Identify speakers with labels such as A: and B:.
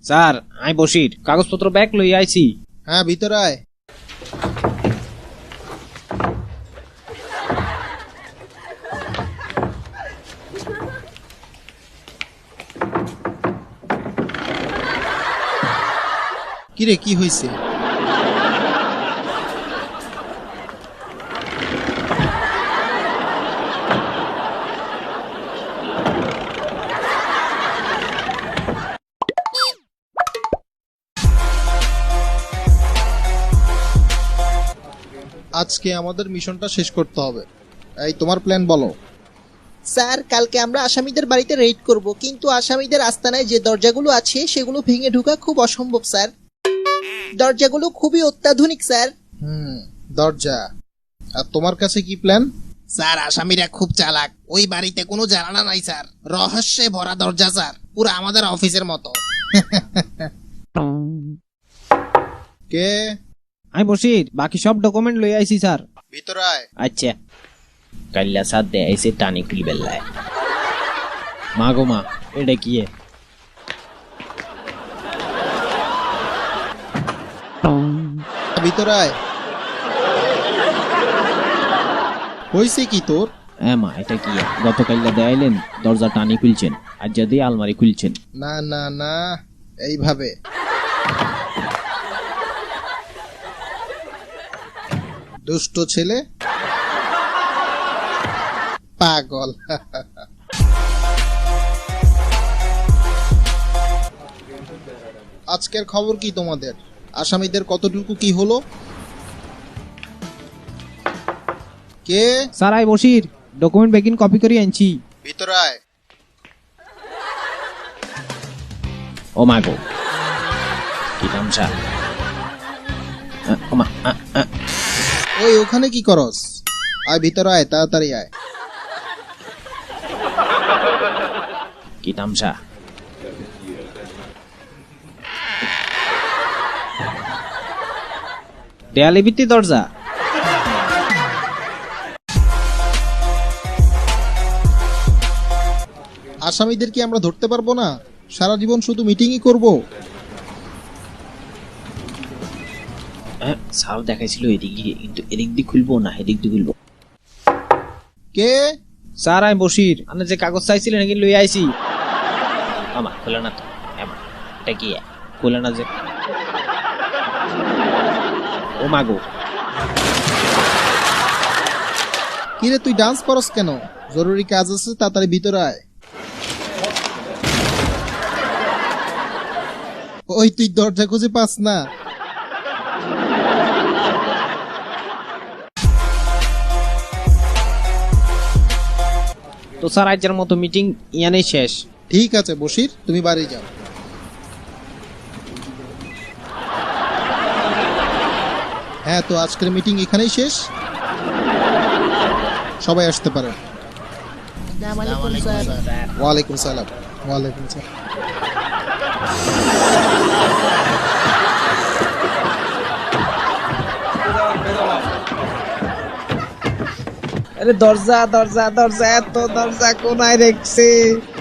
A: Sir আই বসির কাগজপত্র bag লই আইছি।
B: হ্যাঁ ভিতরে আয়। কিরে কি হয়েছে? আজকে আমাদের মিশনটা শেষ করতে হবে। এই তোমার প্ল্যান বলো।
C: স্যার কালকে আমরা আসামিদের বাড়িতে রেড করব, কিন্তু আসামিদের আস্তানায় যে দরজাগুলো আছে সেগুলো ভেঙে ঢোকা খুব অসম্ভব স্যার। দরজাগুলো খুবই অত্যাধুনিক স্যার।
B: দরজা। আর তোমার কাছে কি প্ল্যান?
D: স্যার আসামিরা খুব চালাক, ওই বাড়িতে কোনো জানালা নাই স্যার, রহস্যে ভরা দরজা স্যার, পুরো আমাদের অফিসের মতো।
B: কে?
A: আই বসির বাকি সব ডকুমেন্ট লই আইছি স্যার।
B: ভিতরে আয়।
A: আচ্ছা কাল্লা সাথ দে আইছে টানি খুলি বেল্লায়। মা গো মা এটা কি এ?
B: ভিতরে আয়। হয়েছে কি তোর?
A: মা এটা কি এ? গতকাল্লা দেয়াইলেন দরজা টানি খুলছেন, আর যদি আলমারি খুলছেন।
B: না না না, এইভাবে। দুষ্ট ছেলে, পাগল। আজকের খবর কি তোমাদের? আসামিদের কতটুকু কি হলো? কে?
A: স্যার আই বসির ডকুমেন্ট বেগিন কপি করে আনছি।
B: ভিতরে আয়।
A: ও মা গো কি তামসা। ও মা
B: ওই ওখানে কি করস? আয় ভিতরে আয়, তাড়াতাড়ি আয়।
A: কি তামসা। দেয়ালে ভিত্তি দরজা।
B: আসামিদের কি আমরা ধরতে পারবো না? সারা জীবন শুধু মিটিংই করব।
A: স্যার দেখাইছিল এদিক দিয়ে, কিন্তু এদিক দিয়ে খুলবো না এদিক দিয়ে খুলবো।
B: কে?
A: স্যার আমি বসির, আপনি যে কাগজ চাইছিলেন নাকি লই আইছি। আমা খোলে না তো। এটা কি খোলে না যে। ও মা গো
B: কিরে তুই ডান্স করস কেন? জরুরি কাজ আছে, তাড়াতাড়ি ভিতরে আয়। ওই তুই দরজা খুঁজে পাস না?
A: তো স্যার আজকের মতো মিটিং ইয়ানেই শেষ।
B: ঠিক আছে বসির, তুমি বাড়ি যাও। হ্যাঁ, তো আজকের মিটিং এখানেই শেষ। সবাই আসতে পারে। ওয়ালাইকুম সালাম। ওয়ালাইকুম সালাম।
A: আরে দরজা দরজা দরজা, এত দরজা কোনায় রেখছে।